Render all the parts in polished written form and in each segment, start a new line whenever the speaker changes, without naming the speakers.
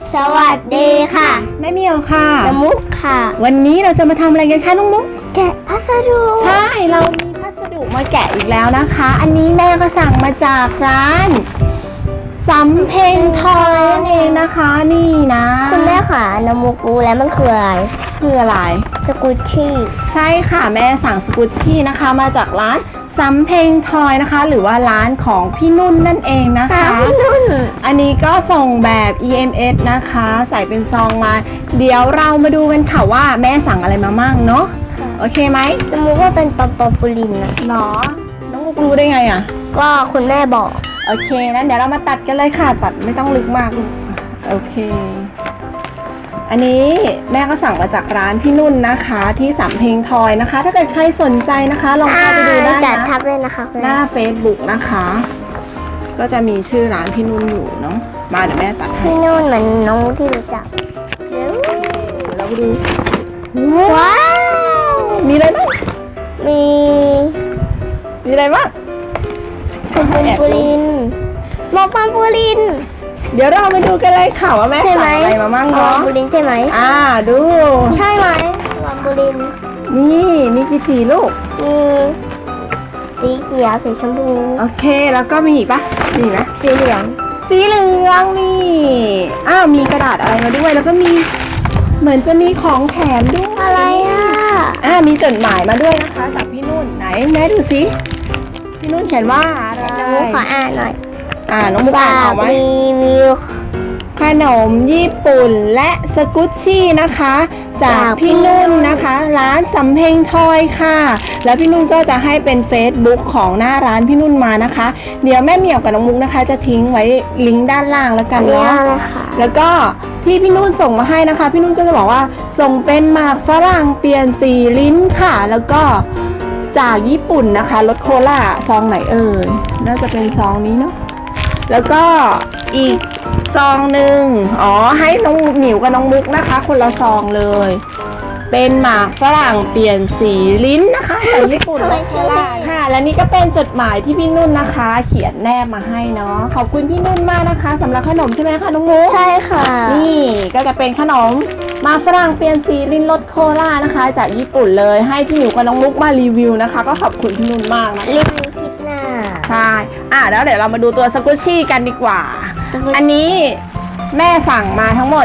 สวัสดีค่ะ
แม่เมียวค่ะ
น้ำมุกค่ะ
วันนี้เราจะมาทำอะไรกันคะน้องมุก
แกะพัสดุ
ใช่เรามีพัสดุมาแกะอีกแล้วนะคะอันนี้แม่ก็สั่งมาจากร้านสำเพ็งทอยนั่นเองนะคะนี่นะ
คุณแม่ค่ะน้ำมุกรู้แล้วมันคืออะไรสกุชชี่
ใช่ค่ะแม่สั่งสกุชชี่นะคะมาจากร้านสำเพ็งทอยนะคะหรือว่าร้านของพี่นุ่นนั่นเองนะคะ
พี่นุ่น
อันนี้ก็ส่งแบบ EMS นะคะใส่เป็นซองมาเดี๋ยวเรามาดูกันค่ะว่าแม่สั่งอะไรมามั่งเนาะโอเคไหม
น้ำมุกว่าเป็นปอมปูลินนะ
หรอน้องมุกรู้ได้ไงอ่ะ
ก็คุณแม่บอก
โอเคนั้นเดี๋ยวเรามาตัดกันเลยค่ะตัดไม่ต้องลึกมากโอเคอันนี้แม่ก็สั่งมาจากร้านพี่นุ่นนะคะที่สำเพ็งทอยนะคะถ้าเกิดใครสนใจนะคะลองเข้าไปดูได้นะ
ทับเลยนะคะ
หน้า Facebook นะคะก็จะมีชื่อร้านพี่นุ่นอยู่เนาะมาเดี๋ยวแม่ตัดให้
พี่นุ่นเหมือนน้องที่รู้จัก
เราไปดู
ว้าว
มีอะไรบ้าง
มี
อะไรบ้าง
ปอมปูลินปอมปูลิน
เดี๋ยวเราไปดูกันเลยค่ะว่าแม่สั่งอะไรมามั่งเนาะ
ปอมปูลินใช่ไหม
ดู
ใช่ไหมปอมปูลิน
นี่มีกี่สีลูก
มีสีเขียวสีชมพู
โอเคแล้วก็มีอีกปะมีไหม
สีเหลือง
นี่มีกระดาษอะไรมาด้วยแล้วก็มีเหมือนจะมีของแถมด้วย
อะไร
มีจดหมายมาด้วยนะคะจากพี่นุ่นไหนแม่ดูสิพี่นุ่นเขียนว่าอะไร
น้องมุกขออ่านหน่อย
น้องมุกอ่านออกไหม
มี
ขนมญี่ปุ่นและสกุชชี่นะคะจากพี่นุ่นนะคะร้านสำเพ็งทอยค่ะแล้วพี่นุ่นก็จะให้เป็น Facebook ของหน้าร้านพี่นุ่นมานะคะเดี๋ยวแม่เหมียวกับน้องมุกนะคะจะทิ้งไว้ลิงก์ด้านล่างแล้วกันเนาะแล้วก็ที่พี่นุ่นส่งมาให้นะคะพี่นุ่นก็จะบอกว่าส่งเป็นหมากฝรั่งเปลี่ยนสีลิ้นค่ะแล้วก็จากญี่ปุ่นนะคะรสโคลาซองไหนเอ่ยน่าจะเป็นซองนี้เนาะแล้วก็อีกซองหนึ่งให้น้องหมิวกับน้องมุกนะคะคนละซองเลยเป็นหมากฝรั่งเปลี่ยนสีลิ้นนะคะจากญี่ปุ่นค่ะและนี่ก็เป็นจดหมายที่พี่นุ่นนะคะเขียนแนบมาให้เนาะขอบคุณพี่นุ่นมากนะคะสำหรับขนมใช่ไหมคะน้องมุก
ใช่ค่ะ
นี่ก็จะเป็นขนมหมากฝรั่งเปลี่ยนสีลิ้นรสโคลานะคะจากญี่ปุ่นเลยให้พี่หมิวกับน้องมุกมารีวิวนะคะก็ขอบคุณพี่นุ่นมากนะ
รีวิวคลิปหน้า
ใช่แล้วเดี๋ยวเรามาดูตัวสกุชชี่กันดีกว่าอันนี้แม่สั่งมาทั้งหมด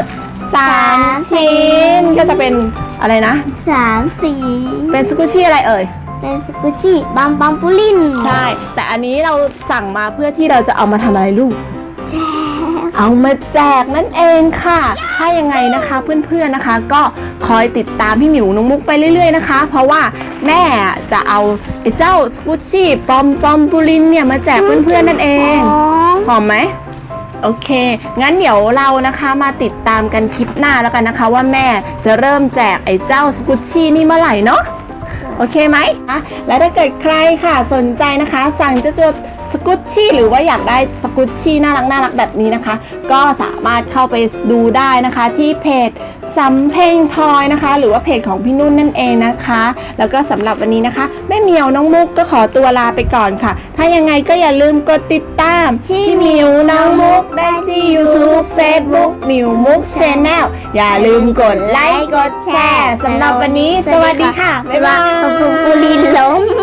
3ชิ้นก็จะเป็นอะไรนะ
3สี
เป็นสกุชชี่อะไรเอ่ย
เป็นสกุชชี่ปอมปูลิน
ใช่แต่อันนี้เราสั่งมาเพื่อที่เราจะเอามาทำอะไรลูก
แจก
เอามาแจกนั่นเองค่ะถ้ายังไงนะคะเพื่อนๆนะคะก็คอยติดตามพี่หมิวน้องมุกไปเรื่อยๆนะคะเพราะว่าแม่จะเอาไอ้เจ้าสกุชชี่ปอมปูลินเนี่ยมาแจกเพื่อนๆนั่นเองหอมไหมโอเคงั้นเดี๋ยวเรานะคะมาติดตามกันคลิปหน้าแล้วกันนะคะว่าแม่จะเริ่มแจกไอ้เจ้าสกุชชี่นี่เมื่อไหร่เนาะโอเคไหมและถ้าเกิดใครค่ะสนใจนะคะสั่งจะจดสกุชชี่หรือว่าอยากได้สกุชชี่น่ารักแบบนี้นะคะก็สามารถเข้าไปดูได้นะคะที่เพจสำเพ็งทอยนะคะหรือว่าเพจของพี่นุ่นนั่นเองนะคะแล้วก็สำหรับวันนี้นะคะแม่เหมียวน้องมุกก็ขอตัวลาไปก่อนค่ะถ้ายังไงก็อย่าลืมกดติดตามพี่เหมียวน้องมุกได้ที่ YouTube Facebook หมิวมุก Channel อย่าลืมกดไลค์กดแชร์สำหรับวันนี้สวัสดีค่ะบ๊ายบาย
ปอมปูลินล้ม